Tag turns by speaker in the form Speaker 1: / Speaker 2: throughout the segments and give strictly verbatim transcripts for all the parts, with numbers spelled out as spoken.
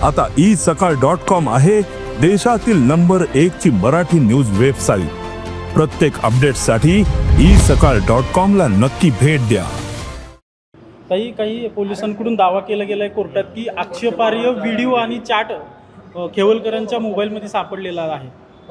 Speaker 1: आता ई सकाळ dot com आहे देशातील नंबर एक ची मराठी न्यूज वेबसाईट। प्रत्येक अपडेटसाठी ई सकाळ डॉट कॉम ला नक्की भेट द्या।
Speaker 2: काही काही पोलिसांकडून दावा केला गेलाय कोर्टात की आक्षेपार्ह व्हिडिओ आणि चॅट खेवलकरांच्या मोबाईलमध्ये सापडलेला आहे।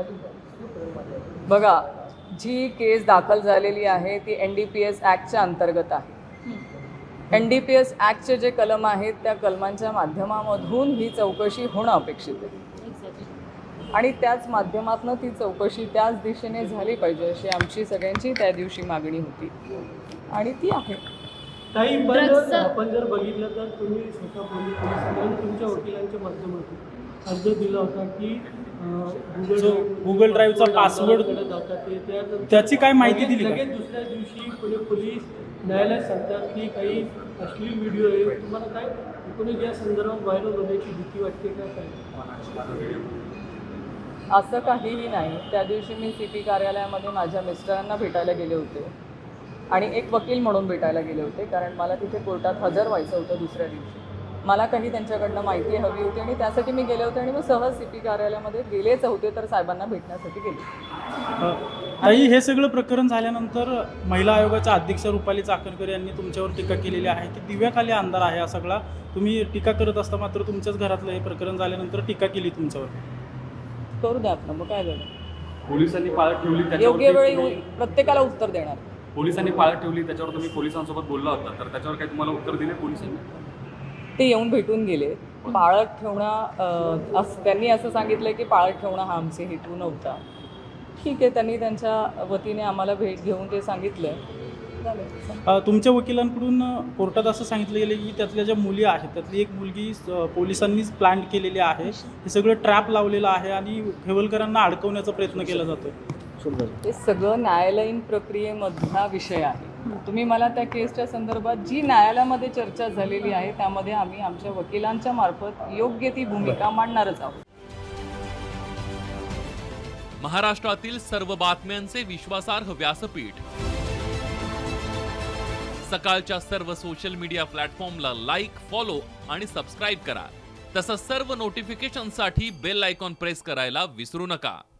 Speaker 3: बघा, जी केस दाखल झालेली आहे ती एन डी पी एस ॲक्टच्या अंतर्गत आहे। एन डी पी एस ॲक्टचे जे कलम आहेत त्या कलमांच्या माध्यमामधून ही चौकशी होणं अपेक्षित आहे आणि त्याच माध्यमातून ती चौकशी त्याच दिशेने झाली पाहिजे अशी आमची सगळ्यांची त्या दिवशी मागणी होती आणि ती आहे।
Speaker 4: काही आपण जर बघितलं तर तुम्ही स्वतः पोलीस पोलिसांनी तुमच्या वकिलांच्या माध्यमातून अर्ज दिला होता की
Speaker 2: गुगल ड्राईव्हचा पासवर्ड त्याची काय माहिती दिली?
Speaker 4: लगेच दुसऱ्या दिवशी पुणे पोलीस न्यायालयात सांगतात की काही अश्लील व्हिडिओ आहे। तुम्हाला काय एकूणच या संदर्भात व्हायरल होण्याची भीती वाटते का? काय
Speaker 3: असं काहीही नाही। त्या दिवशी मी सी पी कार्यालयामध्ये माझ्या मिस्टरांना भेटायला गेले होते आणि एक वकील म्हणून भेटायला गेले होते, कारण मला तिथे कोर्टात हजर व्हायचं होतं दुसऱ्या दिवशी। मला काही त्यांच्याकडनं माहिती हवी होती आणि त्यासाठी मी गेले होते आणि मग सहज सी पी कार्यालयामध्ये गेलेच होते तर साहेबांना भेटण्यासाठी गेले।
Speaker 2: आई, हे सगळं प्रकरण झाल्यानंतर महिला आयोगाच्या अध्यक्ष रुपाली चाकणकर यांनी तुमच्यावर टीका केलेली आहे की दिव्याखाली अंधार आहे हा सगळा। तुम्ही टीका करत असता मात्र तुमच्याच घरातलं हे प्रकरण झाल्यानंतर टीका केली तुमच्यावर।
Speaker 3: करू द्या आपण, मग काय झालं?
Speaker 5: पोलिसांनी पाळत ठेवली,
Speaker 3: योग्य वेळी प्रत्येकाला उत्तर देणार।
Speaker 5: पोलिसांनी पाळत ठेवली त्याच्यावर तुम्ही पोलिसांसोबत बोलला होता, तर त्याच्यावर काही तुम्हाला उत्तर दिले पोलिसांनी?
Speaker 3: ते येऊन भेटून गेले। पाळत ठेवणं असं त्यांनी असं सांगितलं की पाळत ठेवणं हा आमचे हेतू नव्हता। ठीक आहे, त्यांनी त्यांच्या वतीने आम्हाला भेट घेऊन ते सांगितलं।
Speaker 2: तुमच्या वकिलांकडून कोर्टात असं सांगितलं गेलं की त्यातल्या ज्या मुली आहेत त्यातली एक मुलगी पोलिसांनीच प्लॅन केलेली आहे, हे सगळं ट्रॅप लावलेलं आहे आणि खेवलकरांना अडकवण्याचा प्रयत्न केला जातो।
Speaker 3: हे सगळं न्यायालयीन प्रक्रियेमधला विषय आहे। तुम्ही मला त्या केसच्या संदर्भात जी न्यायालयामध्ये चर्चा झालेली आहे त्यामध्ये आम्ही आमच्या वकिलांच्या मार्फत योग्य ती भूमिका मांडणारच आहोत।
Speaker 6: महाराष्ट्रातील सर्व बातम्यांचे विश्वासार्ह व्यासपीठ सकाळच्या सर्व सोशल मीडिया प्लॅटफॉर्मला लाईक, फॉलो आणि सबस्क्राईब करा। तसंच सर्व नोटिफिकेशनसाठी बेल आयकॉन प्रेस करायला विसरू नका।